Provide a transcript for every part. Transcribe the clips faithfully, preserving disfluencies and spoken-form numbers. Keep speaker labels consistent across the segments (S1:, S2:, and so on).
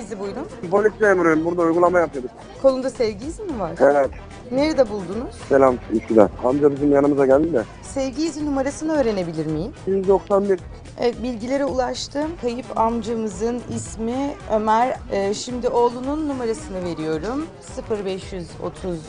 S1: Sevgi buyurun.
S2: Polis memuruyum. Burada uygulama yapıyorduk.
S1: Kolunda sevgi izi mi var?
S2: Evet.
S1: Nerede buldunuz?
S2: Selam Üsküdar. Amca bizim yanımıza geldi de.
S1: Sevgi izi numarasını öğrenebilir miyim?
S2: yüz doksan bir.
S1: Evet, bilgilere ulaştım. Kayıp amcamızın ismi Ömer. Ee, şimdi oğlunun numarasını veriyorum. sıfır beş otuz.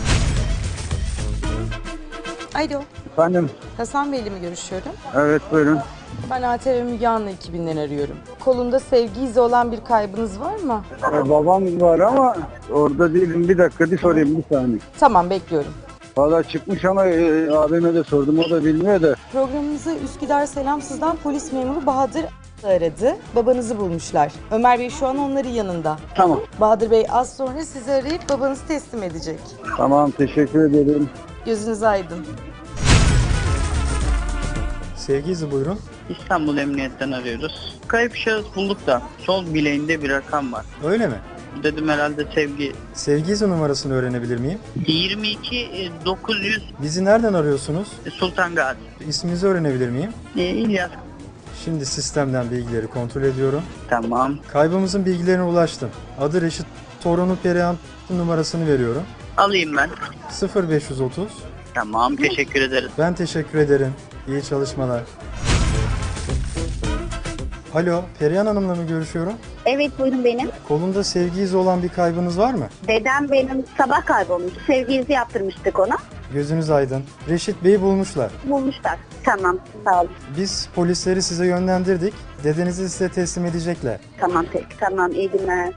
S1: Alo,
S3: Efendim,
S1: Hasan Bey'le mi görüşüyorum?
S3: evet buyurun.
S1: Ben A T V Müge Anlı ekibinden arıyorum. Kolunda sevgi izi olan bir kaybınız var mı?
S3: Ee, babam var ama orada değilim. Bir dakika bir sorayım bir saniye.
S1: Tamam, bekliyorum.
S3: Valla çıkmış ama e, abime de sordum, o da bilmiyor da.
S1: Programımızı Üsküdar Selamsız'dan polis memuru Bahadır aradı. Babanızı bulmuşlar. Ömer Bey şu an onların yanında.
S3: Tamam.
S1: Bahadır Bey az sonra sizi arayıp babanızı teslim edecek.
S3: Tamam, teşekkür ederim.
S1: Gözünüz aydın.
S4: Sevgi izi buyurun.
S5: İstanbul Emniyet'ten arıyoruz. Kayıp şahıs bulduk da sol bileğinde bir rakam var.
S4: Öyle mi?
S5: Dedim herhalde sevgi.
S4: Sevgi izi numarasını öğrenebilir miyim?
S5: yirmi iki dokuz yüz
S4: Bizi nereden arıyorsunuz?
S5: Sultan Gazi.
S4: İsminizi öğrenebilir miyim?
S5: Ee, İlyas.
S4: Şimdi sistemden bilgileri kontrol ediyorum.
S5: Tamam.
S4: Kaybımızın bilgilerine ulaştım. Adı Reşit, torunu Perihan numarasını veriyorum.
S5: Alayım ben.
S4: sıfır beş otuz.
S5: Tamam, teşekkür ederiz.
S4: Ben teşekkür ederim. İyi çalışmalar. Alo, Perihan Hanım'la mı görüşüyorum?
S6: Evet buyurun benim.
S4: Kolunda sevgi izi olan bir kaybınız var mı?
S6: Dedem benim sabah kaybolmuş. Sevgi izi yaptırmıştık ona.
S4: Gözünüz aydın. Reşit Bey'i bulmuşlar.
S6: Bulmuşlar. Tamam sağ olun.
S4: Biz polisleri size yönlendirdik. Dedenizi size teslim edecekler.
S6: Tamam peki tamam iyi günler.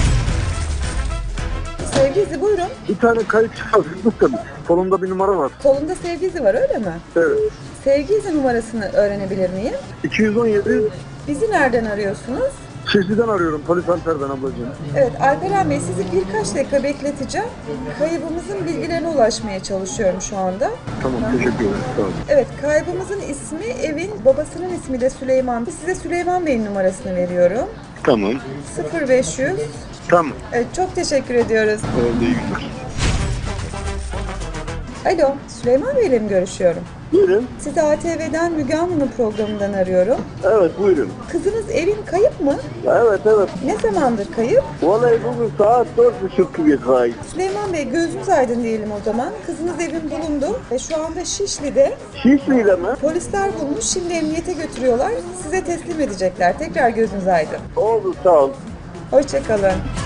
S1: Sevgi izi buyurun.
S2: Bir tane kayıp şahsızlık da kolumda bir numara var.
S1: Kolunda sevgi izi var öyle mi?
S2: Evet.
S1: Sevgi izi numarasını öğrenebilir miyim?
S2: iki yüz on yedi.
S1: Bizi nereden arıyorsunuz?
S2: Şişli'den arıyorum. Polis Anter'den ablacığım.
S1: Evet Alperen Bey sizi birkaç dakika bekleteceğim. Kaybımızın bilgilerine ulaşmaya çalışıyorum şu anda.
S2: Tamam, teşekkür ederim. Sağ olun.
S1: Evet kaybımızın ismi evin babasının ismi de Süleyman. Size Süleyman Bey'in numarasını veriyorum.
S2: Tamam.
S1: sıfır beş yüz.
S2: Tamam.
S1: Evet çok teşekkür ediyoruz.
S2: Oldu, iyi günler.
S1: Alo Süleyman Bey'le mi görüşüyorum?
S2: Buyurun.
S1: Sizi A T V'den Müge Anlı'nın programından arıyorum.
S2: Evet, buyurun.
S1: Kızınız evin kayıp mı?
S2: Evet, evet.
S1: Ne zamandır kayıp?
S2: Vallahi bugün saat dört buçuk gibi kayıp.
S1: Süleyman Bey gözünüz aydın diyelim o zaman. Kızınız evin bulundu ve şu anda Şişli'de.
S2: Şişli'yle mi?
S1: Polisler bulmuş, şimdi emniyete götürüyorlar. Size teslim edecekler. Tekrar gözünüz aydın.
S2: Oldu, sağ ol.
S1: Hoşça kalın.